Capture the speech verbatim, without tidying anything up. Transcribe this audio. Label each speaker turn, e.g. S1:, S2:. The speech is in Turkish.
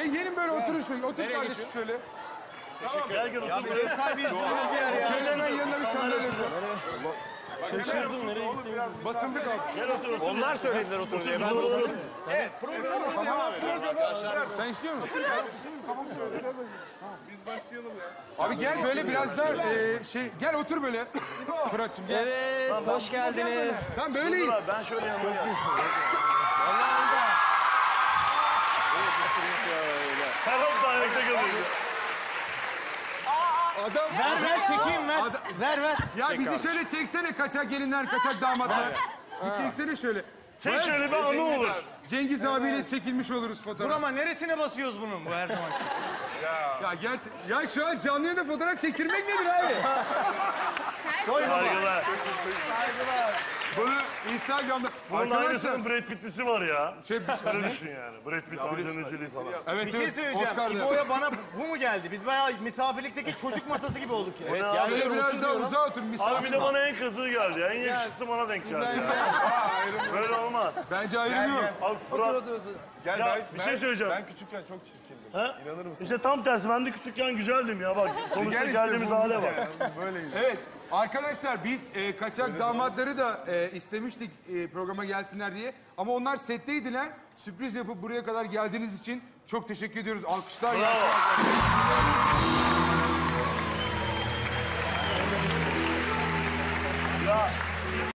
S1: Gelin gelin böyle oturun şöyle. Otur kardeşim şöyle.
S2: Teşekkür ederim.
S3: Ya böyle sahibiyiz. Bir yer ya.
S1: Şöyle hemen yanına bir sandalye koy.
S2: Şaşırdım nereye gittim.
S1: Basındık artık.
S2: Gel otur otur.
S4: Onlar söylediler otur diye. Ben de oturdum. Evet, programımıza devam edelim arkadaşlar.
S1: Sen istiyor musun? Biz başlayalım ya. Abi gel böyle biraz da e, şey gel otur böyle. Fırat'cığım gel.
S4: Evet, hoş geldiniz.
S1: Tamam böyleyiz.
S2: Ben şöyle yanıma gel. Her hafta ayakta kalıyor.
S1: Adam
S3: Ver ver çekeyim ver.
S1: Adam-
S3: Ver ver.
S1: ya bizi şöyle çeksene kaçak gelinler, kaçak damatlar. Bir çeksene şöyle.
S2: Çek şöyle bir anı olur.
S1: Cengiz abiyle çekilmiş oluruz
S3: Dur
S1: fotoğraf.
S3: ama neresine basıyoruz bunun bu her zaman?
S1: Ya gerçi ya şu an canlı yayında fotoğraf çekilmek nedir abi?
S2: Saygılar.
S1: Bunu Instagram'da
S2: Bunun
S1: arkadaşlar
S2: aynısının Brad Pitt'lisi var ya.
S1: şey
S2: Öyle düşün yani. Brad Pitt, Angelina Jolie falan.
S1: evet,
S3: Bir şey
S1: evet,
S3: söyleyeceğim.
S1: Oscar'da.
S3: İbo'ya bana bu mu geldi? Biz bayağı misafirlikteki çocuk masası gibi olduk ya.
S2: Ne abi?
S1: Şöyle biraz daha uzağa otur
S2: Abi bir
S1: misafir.
S2: de bana en kızığı geldi ya. En yakışıklısı bana denk geldi ya. Böyle olmaz.
S1: Bence ayrılıyor.
S2: Abi Fırat.
S5: Gel
S2: Ya
S5: ben,
S2: bir şey söyleyeceğim.
S5: ben küçükken çok çirkindim.
S2: Ha?
S5: İnanır mısın?
S2: İşte tam tersi. Ben de küçükken güzeldim ya bak. Sonuçta
S5: Gel işte
S2: geldiğimiz
S5: bu-
S2: hale bak.
S5: Yani böyleydi.
S1: Evet arkadaşlar biz e, kaçak damatları da e, istemiştik e, programa gelsinler diye. Ama onlar setteydiler. Sürpriz yapıp buraya kadar geldiğiniz için çok teşekkür ediyoruz. Alkışlar.
S2: Ya